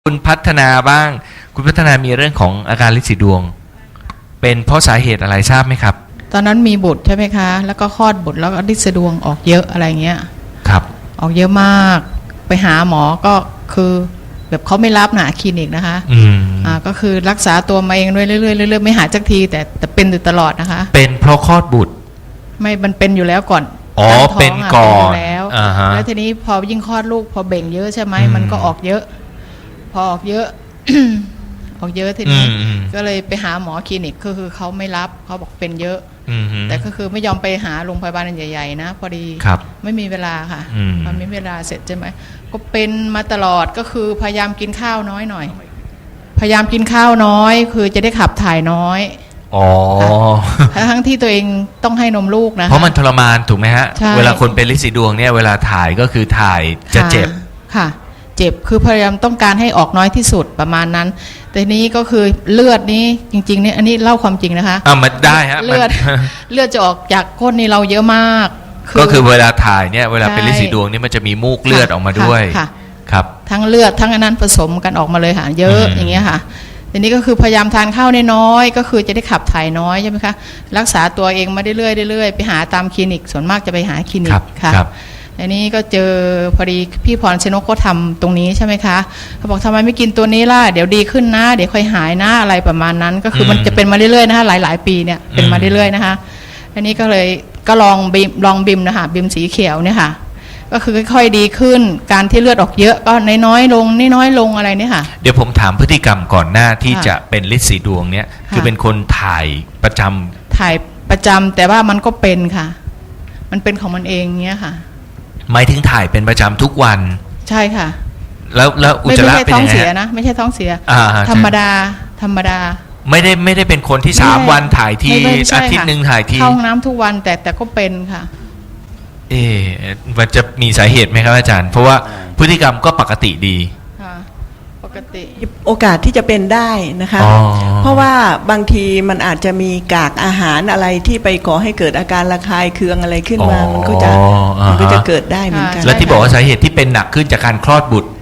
คุณพัฒนาบ้างคุณพัฒนามีเรื่องของอาการลินสีดวงเป็นเพราะสาเหตุอะไรทราบไหมครับตอนนั้นมีบุตรใช่ไหมคะแล้วก็คลอดบุตรแล้วก็ลินสีดวงออกเยอะอะไรเงี้ยครับออกเยอะมากไปหาหมอก็คือแบบเขาไม่รับหนาคลินิกนะคะก็คือรักษาตัวมาเองเรื่อยๆเรื่อยๆไม่หายสักทีแต่เป็นอยู่ตลอดนะคะเป็นเพราะคลอดบุตรไม่มันเป็นอยู่แล้วก่อนอ๋อเป็นก่อนแล้วทีนี้พอยิ่งคลอดลูกพอเบ่งเยอะใช่ไหมมันก็ออกเยอะพอออกเยอะ ออกเยอะทีนี้ก็เลยไปหาหมอคลินิกคือเขาไม่รับเขาบอกเป็นเยอะแต่ก็คือไม่ยอมไปหาโรงพยาบาลใหญ่ๆนะพอดีไม่มีเวลาค่ะพอไม่มีเวลาเสร็จใช่ไหมก็เป็นมาตลอดก็คือพยายามกินข้าวน้อยหน่อยพยายามกินข้าวน้อยคือจะได้ขับถ่ายน้อยอ๋อทั้งที่ตัวเองต้องให้นมลูกนะเพราะมันทรมานถูกไหมฮะเวลาคนเป็นลินสีดวงเนี่ยเวลาถ่ายก็คือถ่ายจะเจ็บค่ะเจ็บคือพยายามต้องการให้ออกน้อยที่สุดประมาณนั้นแต่นี้ก็คือเลือดนี้จริงๆเนี่ยอันนี้เล่าความจริงนะคะมันได้ฮะเลือดจะออกจากก้นนี่เราเยอะมากก็คือเวลาถ่ายเนี่ยเวลาเป็นลินสีดวงนี่มันจะมีมูกเลือดออกมาด้วยครับทั้งเลือดทั้งอันนั้นผสมกันออกมาเลยค่ะเยอะอย่างเงี้ยค่ะทีนี้ก็คือพยายามทานข้าวน้อยก็คือจะได้ขับถ่ายน้อยใช่ไหมคะรักษาตัวเองมาเรื่อยๆไปหาตามคลินิกส่วนมากจะไปหาคลินิกค่ะอันนี้ก็เจอพอดีพี่พรชนกเขาทำตรงนี้ใช่ไหมคะเขาบอกทำไมไม่กินตัวนี้ล่ะเดี๋ยวดีขึ้นนะเดี๋ยวค่อยหายนะอะไรประมาณนั้นก็คือมันจะเป็นมาเรื่อยๆนะคะหลายๆปีเนี่ยเป็นมาเรื่อยๆนะคะอันนี้ก็เลยก็ลองบิมนะคะบิมสีเขียวเนี่ยค่ะก็คือค่อยๆดีขึ้นการที่เลือดออกเยอะก็น้อยลงอะไรเนี่ยค่ะเดี๋ยวผมถามพฤติกรรมก่อนหน้าที่จะเป็นลินสีดวงเนี่ยคือเป็นคนถ่ายประจำแต่ว่ามันก็เป็นค่ะมันเป็นของมันเองเงี้ยค่ะหมายถึงถ่ายเป็นประจำทุกวันใช่ค่ะแล้วอุจจาระเป็นยังไงไม่ใช่ท้องเสียนะไม่ใช่ท้องเสียธรรมดาไม่ได้เป็นคนที่3 วันถ่ายทีอาทิตย์นึงถ่ายทีเข้าห้องน้ำทุกวันแต่ก็เป็นค่ะมันจะมีสาเหตุไหมครับอาจารย์เพราะว่าพฤติกรรมก็ปกติดีปกติโอกาสที่จะเป็นได้นะคะเพราะว่าบางทีมันอาจจะมีกากอาหารอะไรที่ไปก่อให้เกิดอาการระคายเคืองอะไรขึ้นมามันก็จะเกิดได้เหมือนกันแล้วที่บอกว่าสาเหตุที่เป็นหนักขึ้นจากการคลอดบุตร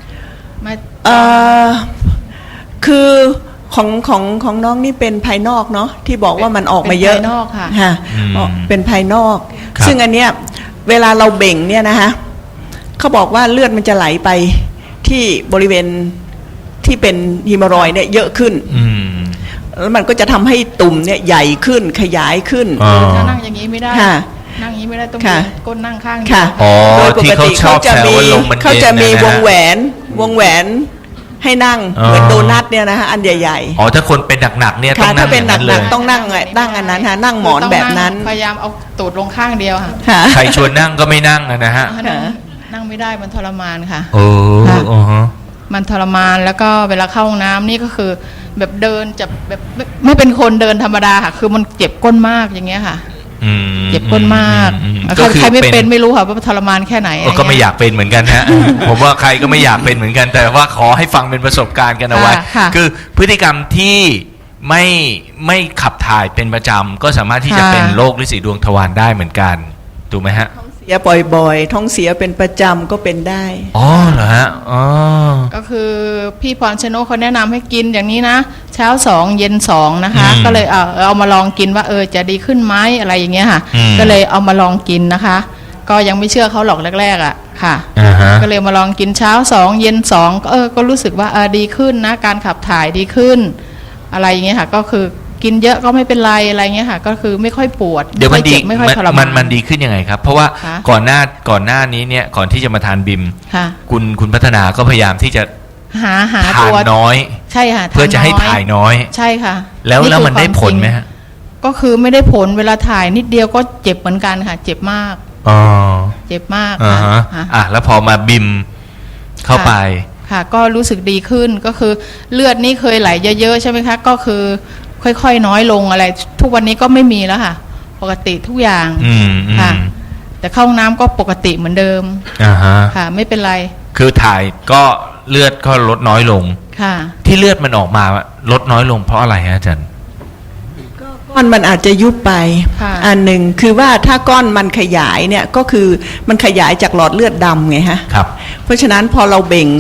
คือของน้องนี่เป็นภายนอกเนาะที่บอกว่ามันออกมาเยอะภายนอกค่ะเป็นภายนอกซึ่งอันเนี้ยเวลาเราเบ่งเนี่ยนะคะเขาบอกว่าเลือดมันจะไหลไปที่บริเวณที่เป็นฮีโมรอยด์เนี่ยเยอะขึ้นแล้วมันก็จะทำให้ตุ่มเนี่ยใหญ่ขึ้นขยายขึ้นถ้านั่งอย่างนี้ไม่ได้นั่งอย่างนี้ไม่ได้ต้องก้นนั่งข้างโดยปกติเขาจะมีวงแหวนให้นั่งเหมือนโดนัทเนี่ยนะฮะอันใหญ่ๆถ้าคนเป็นหนักๆเนี่ยต้องนั่งถ้าเป็นหนักๆต้องนั่งอันนั้นฮะนั่งหมอนแบบนั้นพยายามเอาตูดลงข้างเดียวค่ะใครชวนนั่งก็ไม่นั่งนะฮะนั่งไม่ได้มันทรมานค่ะมันทรมานแล้วก็เวลาเข้าห้องน้ำนี่ก็คือแบบเดินจะแบบไม่เป็นคนเดินธรรมดาค่ะคือมันเจ็บก้นมากอย่างเงี้ยค่ะเจ็บก้นมากใครไม่เป็นไม่รู้ค่ะว่าทรมานแค่ไหนก็ไม่อยากเป็นเหมือนกันฮะ ผมว่าใครก็ไม่อยากเป็นเหมือนกันแต่ว่าขอให้ฟังเป็นประสบการณ์กันเอาไว้คือพฤติกรรมที่ไม่ขับถ่ายเป็นประจำก็สามารถที่จะเป็นโรคลินสีดวงทวารได้เหมือนกันถูกไหมฮะเสียบ่อยๆท้องเสียเป็นประจำก็เป็นได้เหรอฮะก็คือพี่พรชนกเขาแนะนำให้กินอย่างนี้นะเช้า2เย็น2นะคะก็เลยเอามาลองกินว่าจะดีขึ้นไหมอะไรอย่างเงี้ยค่ะก็เลยเอามาลองกินนะคะก็ยังไม่เชื่อเขาหรอกแรกๆค่ะก็เลยมาลองกินเช้า2เย็น2ก็รู้สึกว่าดีขึ้นนะการขับถ่ายดีขึ้นอะไรอย่างเงี้ยค่ะก็คือกินเยอะก็ไม่เป็นไรอะไรเงี้ยค่ะก็คือไม่ค่อยปวดเดี๋ยวมันดีไม่ค่อยทรมานมันดีขึ้นยังไงครับเพราะว่าก่อนหน้านี้เนี่ยก่อนที่จะมาทานบิมคุณพัฒนาก็พยายามที่จะหาทานน้อยใช่ค่ะเพื่อจะให้ถ่ายน้อยใช่ค่ะแล้วมันได้ผลไหมฮะก็คือไม่ได้ผลเวลาถ่ายนิดเดียวก็เจ็บเหมือนกันค่ะเจ็บมากเจ็บมากค่ะแล้วพอมาบิมเข้าไปค่ะก็รู้สึกดีขึ้นก็คือเลือดนี่เคยไหลเยอะๆใช่ไหมคะก็คือค่อยๆน้อยลงอะไรทุกวันนี้ก็ไม่มีแล้วค่ะปกติทุกอย่างค่ะแต่เข้าห้องน้ำก็ปกติเหมือนเดิมค่ะไม่เป็นไรคือถ่ายก็เลือดก็ลดน้อยลงค่ะที่เลือดมันออกมาลดน้อยลงเพราะอะไรฮะอาจารย์ก้อนมันอาจจะยุบไปอันหนึ่งคือว่าถ้าก้อนมันขยายเนี่ยก็คือมันขยายจากหลอดเลือดดำไงฮะครับเพราะฉะนั้นพอเราเบ่ง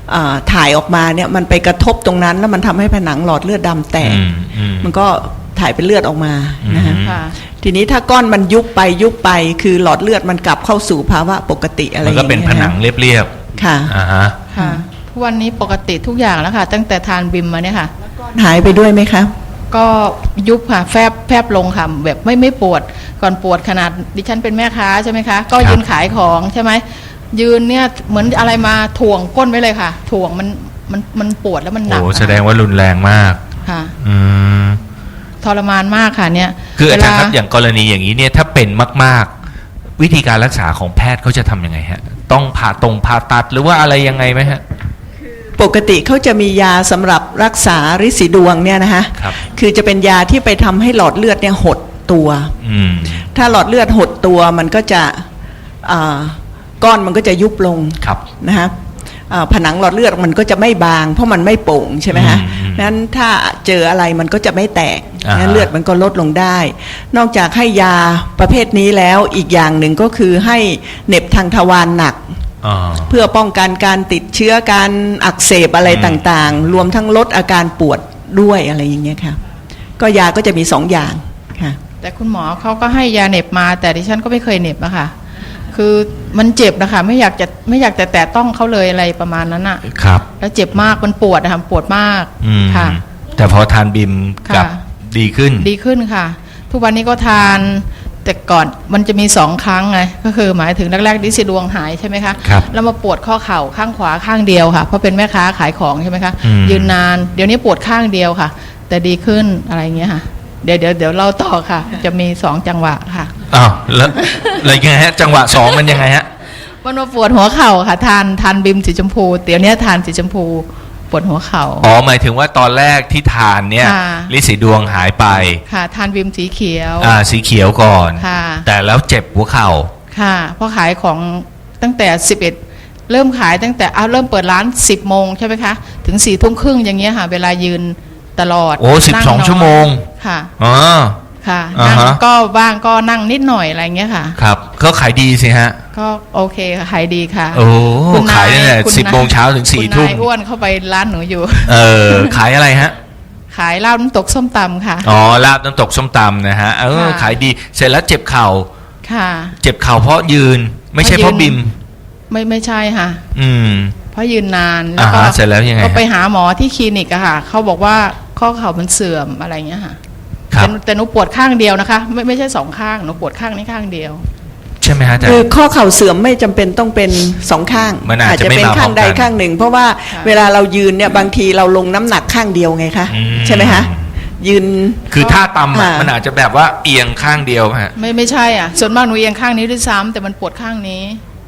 ถ่ายออกมาเนี่ยมันไปกระทบตรงนั้นแล้วมันทำให้ผนังหลอดเลือดดำแตกมันก็ถ่ายเป็นเลือดออกมานะฮะทีนี้ถ้าก้อนมันยุบไปคือหลอดเลือดมันกลับเข้าสู่ภาวะปกติอะไรอย่างเงี้ยมันก็เป็นผนังเรียบๆค่ะค่ะทุกวันนี้ปกติทุกอย่างแล้วค่ะตั้งแต่ทานบิมมาเนี่ยค่ะหายไปด้วยไหมคะก็ยุบค่ะแฟบลงค่ะแบบไม่ปวดก่อนปวดขนาดดิฉันเป็นแม่ค้าใช่ไหมคะก็ยืนขายของใช่ไหมยืนเนี่ยเหมือนอะไรมาถ่วงก้นไว้เลยค่ะถ่วงมันปวดแล้วมันหนักโอ้แสดงว่ารุนแรงมากค่ะทรมานมากค่ะเนี่ยคืออาจารย์ครับอย่างกรณีอย่างนี้เนี่ยถ้าเป็นมากๆวิธีการรักษาของแพทย์เขาจะทำยังไงฮะต้องผ่าตัดหรือว่าอะไรยังไงไหมฮะปกติเขาจะมียาสำหรับรักษาฤทธิ์สีดวงเนี่ยนะคะคือจะเป็นยาที่ไปทำให้หลอดเลือดเนี่ยหดตัวถ้าหลอดเลือดหดตัวมันก็จะก้อนมันก็จะยุบลงนะฮะผนังหลอดเลือดมันก็จะไม่บางเพราะมันไม่โป่งใช่ไหมฮะนั้นถ้าเจออะไรมันก็จะไม่แตกนั้นเลือดมันก็ลดลงได้นอกจากให้ยาประเภทนี้แล้วอีกอย่างหนึ่งก็คือให้เหน็บทางทวารหนักเพื่อป้องกันการติดเชื้อการอักเสบอะไรต่างๆรวมทั้งลดอาการปวดด้วยอะไรอย่างเงี้ยค่ะก็ยาก็จะมี2 อย่างค่ะแต่คุณหมอเขาก็ให้ยาเหน็บมาแต่ดิฉันก็ไม่เคยเหน็บอะค่ะคือมันเจ็บนะคะไม่อยากจะแตะต้องเขาเลยอะไรประมาณนั้นอะครับแล้วเจ็บมากมันปวดนะคะปวดมากค่ะแต่พอทานบิมกับดีขึ้นค่ะทุกวันนี้ก็ทานแต่ก่อนมันจะมี2 ครั้งไงก็คือหมายถึงแรกๆฤทธิ์สีดวงหายใช่ไหมคะแล้วมาปวดข้อเข่าข้างขวาข้างเดียวค่ะเพราะเป็นแม่ค้าขายของใช่ไหมคะยืนนานเดี๋ยวนี้ปวดข้างเดียวค่ะแต่ดีขึ้นอะไรเงี้ยค่ะเดี๋ยวเราต่อค่ะจะมี2 จังหวะค่ะอ้าวแล้วอะไรยังไงฮะจังหวะ2มันยังไงฮะมันมาปวดหัวเข่าค่ะทานบิมสีชมพูเดี๋ยวนี้ทานสีชมพูปวดหัวเข่าหมายถึงว่าตอนแรกที่ทานเนี่ยฤทธิ์สีดวงหายไปค่ะทานบิมสีเขียวสีเขียวก่อนแต่แล้วเจ็บหัวเข่าค่ะเพราะขายของตั้งแต่11เริ่มขายตั้งแต่เริ่มเปิดร้าน10 โมงใช่ไหมคะถึง4 ทุ่มครึ่งอย่างเงี้ยค่ะเวลายืนตลอด 12 ชั่วโมงค่ะค่ะนั่งก็บ้างก็นั่งนิดหน่อยอะไรเงี้ยค่ะครับก็ขายดีสิฮะก็โอเคค่ะขายดีค่ะขายตั้งแต่10 โมงเช้าถึง4 ทุ่มอ้วนเข้าไปร้านหนูอยู่ขายอะไรฮะขายลาบน้ำตกส้มตำค่ะลาบน้ำตกส้มตำนะฮะขายดีเสร็จแล้วเจ็บเข่าค่ะเจ็บเข่าเพราะยืนไม่ใช่เพราะบิมไม่ใช่ค่ะเพราะยืนนานแล้วก็เสร็จแล้วยังไงก็ไปหาหมอที่คลินิกอะค่ะเขาบอกว่าข้อเข่ามันเสื่อมอะไรเงี้ยค่ะแต่หนูปวดข้างเดียวนะคะไม่ใช่2 ข้างหนูปวดข้างนี้ข้างเดียวใช่ไหมฮะคือข้อเข่าเสื่อมไม่จำเป็นต้องเป็น2 ข้างอาจจะเป็นข้างใดข้างหนึ่งเพราะว่าเวลาเรายืนเนี่ยบางทีเราลงน้ำหนักข้างเดียวไงคะใช่ไหมคะยืนคือท่าต่ำมันอาจจะแบบว่าเอียงข้างเดียวฮะไม่ใช่อ่ะส่วนมากหนูเอียงข้างนี้ด้วยซ้ำแต่มันปวดข้างนี้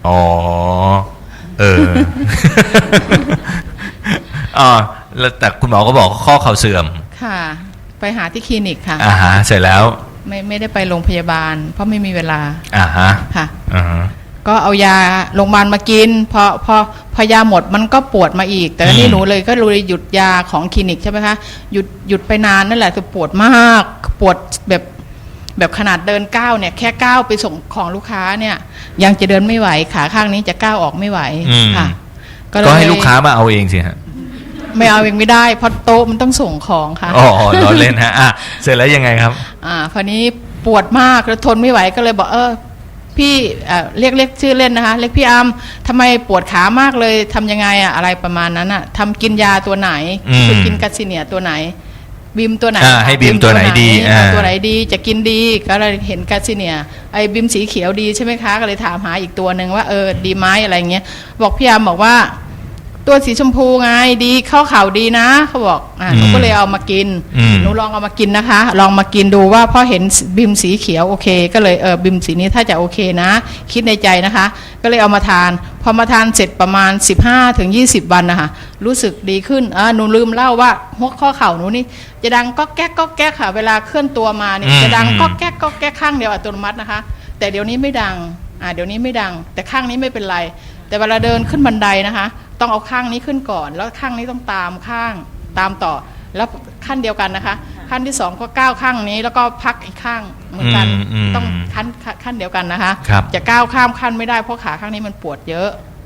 แล้วแต่คุณหมอก็บอกข้อเข่าเสื่อมค่ะไปหาที่คลินิกค่ะเสร็จแล้วไม่ได้ไปโรงพยาบาลเพราะไม่มีเวลาค่ะก็เอายาโรงพยาบาลมากินพอยาหมดมันก็ปวดมาอีกแต่นี่หนูเลยก็เลยหยุดยาของคลินิกใช่ไหมคะหยุดไปนานนั่นแหละคือปวดมากปวดแบบขนาดเดินก้าวเนี่ยแค่ก้าวไปส่งของลูกค้าเนี่ยยังจะเดินไม่ไหวขาข้างนี้จะก้าวออกไม่ไหวค่ะก็ให้ลูกค้ามาเอาเองสิฮะไม่เอาเองไม่ได้เพราะโต๊ะมันต้องส่งของค่ะเราเล่นฮะเสร็จแล้วยังไงครับคราวนี้ปวดมากแล้วทนไม่ไหวก็เลยบอกพี่เรียกชื่อเล่นนะคะเรียกพี่อัมทำไมปวดขามากเลยทำยังไงอะไรประมาณนั้นทำกินยาตัวไหนคือกินกัสซิเนียตัวไหนบิมตัวไหนให้บิมตัวไหนดีตัวไหนดีจะกินดีก็เลยเห็นกัสซิเนียไอ้บิมสีเขียวดีใช่ไหมคะก็เลยถามหาอีกตัวหนึ่งว่าดีไหมอะไรเงี้ยบอกพี่อัมบอกว่าตัวสีชมพูไงดีเข้าข่าวดีนะเขาบอกหนูก็เลยเอามากินหนูลองเอามากินนะคะลองมากินดูว่าพอเห็นบิมสีเขียวโอเคก็เลยบิมสีนี้ถ้าจะโอเคนะคิดในใจนะคะก็เลยเอามาทานพอมาทานเสร็จประมาณ15-20 วันนะคะรู้สึกดีขึ้นหนูลืมเล่าว่าหัวข้อเข่าหนูนี่จะดังก็แก๊กก็แก๊กค่ะเวลาเคลื่อนตัวมาเนี่ยจะดังก็แก๊กก็แก๊กข้างเดียวอัตโนมัตินะคะแต่เดี๋ยวนี้ไม่ดังเดี๋ยวนี้ไม่ดังแต่ข้างนี้ไม่เป็นไรแต่เวลาเดินขึ้นบันไดนะคะต้องเอาข้างนี้ขึ้นก่อนแล้วข้างนี้ต้องตามข้างตามต่อแล้วขั้นเดียวกันนะคะขั้นที่2ก็ก้าวข้างนี้แล้วก็พักอีกข้างเหมือนกันต้องขั้นเดียวกันนะคะจะก้าวข้ามขั้นไม่ได้เพราะขาข้างนี้มันปวดเยอะ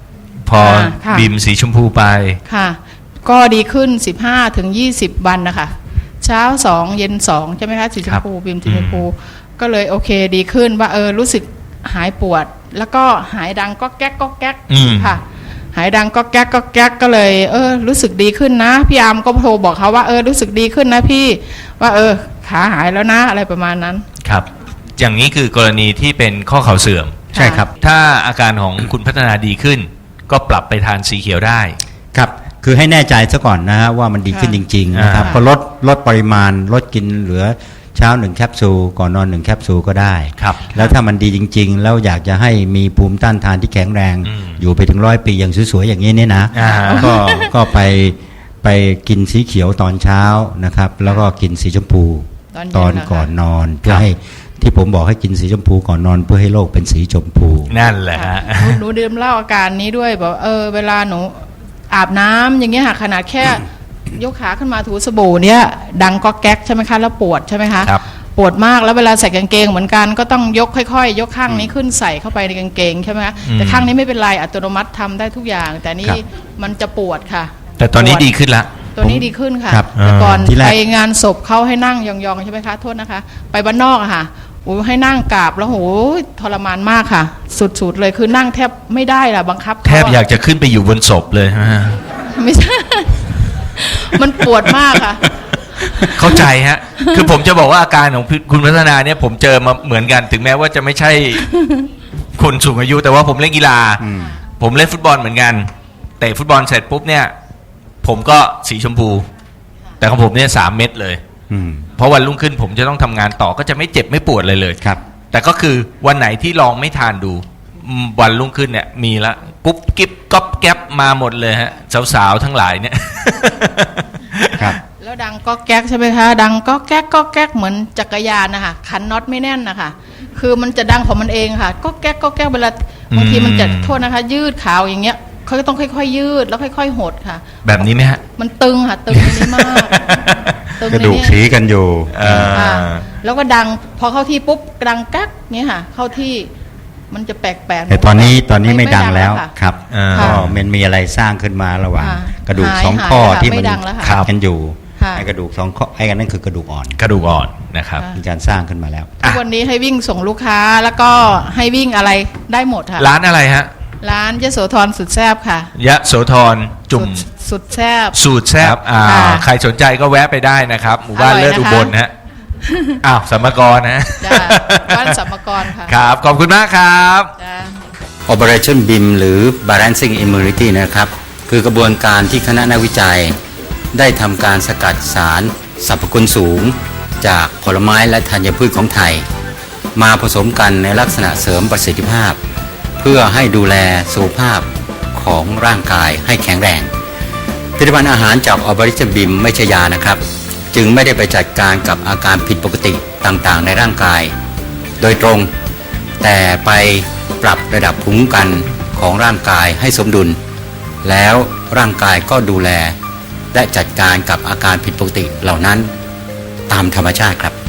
พอค่ะบิมสีชมพูไปค่ะ ก็ดีขึ้น 15 ถึง 20 วันนะคะเช้า 2 เย็น 2 ใช่ไหมคะสีชมพูบิมสีชมพูก็เลยโอเคดีขึ้นว่ารู้สึกหายปวด แล้วก็หายดังก็แก๊กก็แก๊กค่ะ หายดังก็แก๊กก็แก๊กก็เลยรู้สึกดีขึ้นนะพี่อาร์มก็โทรบอกเขาว่ารู้สึกดีขึ้นนะพี่ว่าขาหายแล้วนะอะไรประมาณนั้นครับอย่างนี้คือกรณีที่เป็นข้อเข่าเสื่อมใช่ครับถ้าอาการของคุณพัฒนาดีขึ้น ก็ปรับไปทานสีเขียวได้ครับคือให้แน่ใจซะก่อนนะฮะว่ามันดีขึ้นจริงๆนะครับก็ลดปริมาณลดกินเหลือเช้า1แคปซูลก่อนนอน1แคปซูลก็ได้ครับแล้วถ้ามันดีจริงๆแล้วอยากจะให้มีภูมิต้านทานที่แข็งแรงอยู่ไปถึง100 ปีอย่างสวยๆอย่างนี้เนี่ยนะก็ไปกินสีเขียวตอนเช้านะครับแล้วก็กินสีชมพูตอนก่อนนอนเพื่อให้ที่ผมบอกให้กินสีชมพูก่อนนอนเพื่อให้โลกเป็นสีชมพูนั่นแหละฮะหนูดื่มเหล้าอาการนี้ด้วยบอกเวลาหนูอาบน้ำอย่างเงี้ยค่ะขนาดแค่ยกขาขึ้นมาถูสบู่เนี่ยดังก็แก๊กใช่ไหมคะแล้วปวดใช่ไหมคะปวดมากแล้วเวลาใส่กางเกงเหมือนกันก็ต้องยกค่อยๆยกข้างนี้ขึ้นใส่เข้าไปในกางเกงใช่ไหมคะแต่ข้างนี้ไม่เป็นไรอัตโนมัติทำได้ทุกอย่างแต่นี่มันจะปวดค่ะแต่ตอนนี้ดีขึ้นละตัวนี้ดีขึ้นค่ะแต่ก่อนไปงานศพเขาให้นั่งยองๆใช่ไหมคะโทษนะคะไปบ้านนอกอะค่ะให้นั่งกราบแล้วโหทรมานมากค่ะสุดๆเลยคือนั่งแทบไม่ได้ล่ะบังคับแทบอยากจะขึ้นไปอยู่บนศพเลยฮะไม่ใช่มันปวดมากค่ะเข้าใจฮะคือผมจะบอกว่าอาการของคุณพัฒนาเนี่ยผมเจอมาเหมือนกันถึงแม้ว่าจะไม่ใช่คนสูงอายุแต่ว่าผมเล่นกีฬาผมเล่นฟุตบอลเหมือนกันเตะฟุตบอลเสร็จปุ๊บเนี่ยผมก็สีชมพูแต่ของผมเนี่ย3 เม็ดเลยเพราะวันรุ่งขึ้นผมจะต้องทำงานต่อก็จะไม่เจ็บไม่ปวดเลยครับแต่ก็คือวันไหนที่ลองไม่ทานดูวันรุ่งขึ้นเนี่ยมีละกุ๊บกิ๊บก๊อบแก๊บมาหมดเลยฮะสาวๆทั้งหลายเนี่ยครับแล้วดังก็แก๊กใช่ไหมคะดังก็แก๊กก็แก๊กเหมือนจักรยานนะคะคันน็อตไม่แน่นนะคะคือมันจะดังของมันเองค่ะก็แก๊กก็แก๊กเวลาบางทีมันจะโทษนะคะยืดขาวอย่างเงี้ยเขาต้องค่อยๆยืดแล้วค่อยๆหดค่ะแบบนี้ไหมฮะมันตึงค่ะตึงนี้มากกระดูกสีกันอยู่แล้วก็ดังพอเข้าที่ปุ๊บดังกักเงี้ยค่ะเข้าที่มันจะแปลกๆแต่ตอนนี้ไม่ดังแล้วครับก็มันมีอะไรสร้างขึ้นมาระหว่างกระดูก2 ข้อที่มันขัดกันอยู่ไอ้กระดูก2 ข้อไอ้กันนั่นคือกระดูกอ่อนนะครับมีการสร้างขึ้นมาแล้วทุกวันนี้ให้วิ่งส่งลูกค้าแล้วก็ให้วิ่งอะไรได้หมดค่ะร้านอะไรฮะร้านยโสธรสุดแซ่บค่ะยโสธรจุ่มสุดแซ่บสูตรแซ่บใครสนใจก็แวะไปได้นะครับหมู่บ้านเลิศอุบลฮะสัมมกรนะบ้านสัมมกรค่ะครับขอบคุณมากครับ Operation BIM หรือ Balancing Immunity นะครับคือกระบวนการที่คณะนักวิจัยได้ทำการสกัดสารสรรพคุณสูงจากผลไม้และธัญพืชของไทยมาผสมกันในลักษณะเสริมประสิทธิภาพเพื่อให้ดูแลสุขภาพของร่างกายให้แข็งแรงผลิตภัณฑ์อาหารจาก Operation BIM ไม่ใช่ยานะครับจึงไม่ได้ไปจัดการกับอาการผิดปกติต่างๆในร่างกายโดยตรงแต่ไปปรับระดับภูมิคุ้มกันของร่างกายให้สมดุลแล้วร่างกายก็ดูแลและจัดการกับอาการผิดปกติเหล่านั้นตามธรรมชาติครับ